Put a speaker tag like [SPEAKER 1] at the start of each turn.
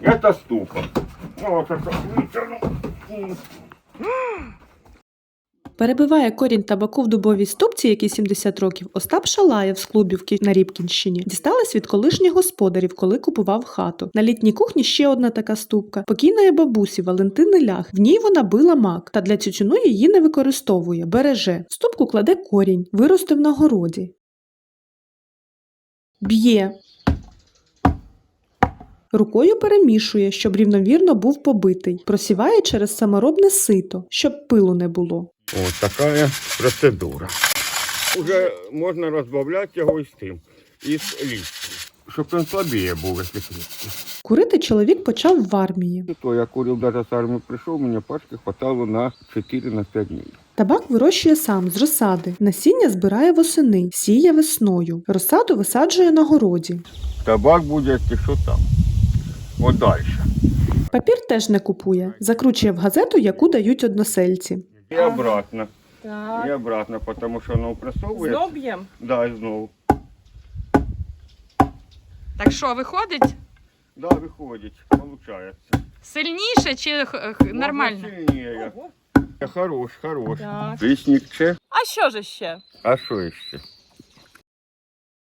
[SPEAKER 1] Это ступа. Вот это вытяну.
[SPEAKER 2] Перебиває корінь табаку в дубовій ступці, який 70 років, Остап Шалаєв з Клубівки на Рібкінщині. Дісталась від колишніх господарів, коли купував хату. На літній кухні ще одна така ступка. Покійної бабусі Валентини Лях. В ній вона била мак, та для тютюну її не використовує, береже. В ступку кладе корінь, виростив на городі. Б'є. Рукою перемішує, щоб рівномірно був побитий. Просіває через саморобне сито, щоб пилу не було.
[SPEAKER 1] Вот такая процедура. Уже можна розбавляти його із тим, із листя. Щоб він слабіє був, якщо крепкий.
[SPEAKER 2] Курити чоловік почав в армії.
[SPEAKER 1] То я курив, даже з армії прийшов, мені пачки хватало на 4-5 днів.
[SPEAKER 2] Табак вирощує сам з розсади. Насіння збирає восени, сіє весною. Розсаду висаджує на городі.
[SPEAKER 1] Табак буде, якщо там. От далі.
[SPEAKER 2] Папір теж не купує. Закручує в газету, яку дають односельці.
[SPEAKER 1] І обратно.
[SPEAKER 3] Так.
[SPEAKER 1] І обратно, тому що воно пресовує.
[SPEAKER 3] Знов б'ємо?
[SPEAKER 1] Да, і знову.
[SPEAKER 3] Так що, виходить
[SPEAKER 1] Да, виходить, получається.
[SPEAKER 3] сильніше чи нормально?
[SPEAKER 1] Можна сильніше. Хорош.
[SPEAKER 3] Так.
[SPEAKER 1] Вісник че?
[SPEAKER 3] А що ж ще?
[SPEAKER 1] А що ще?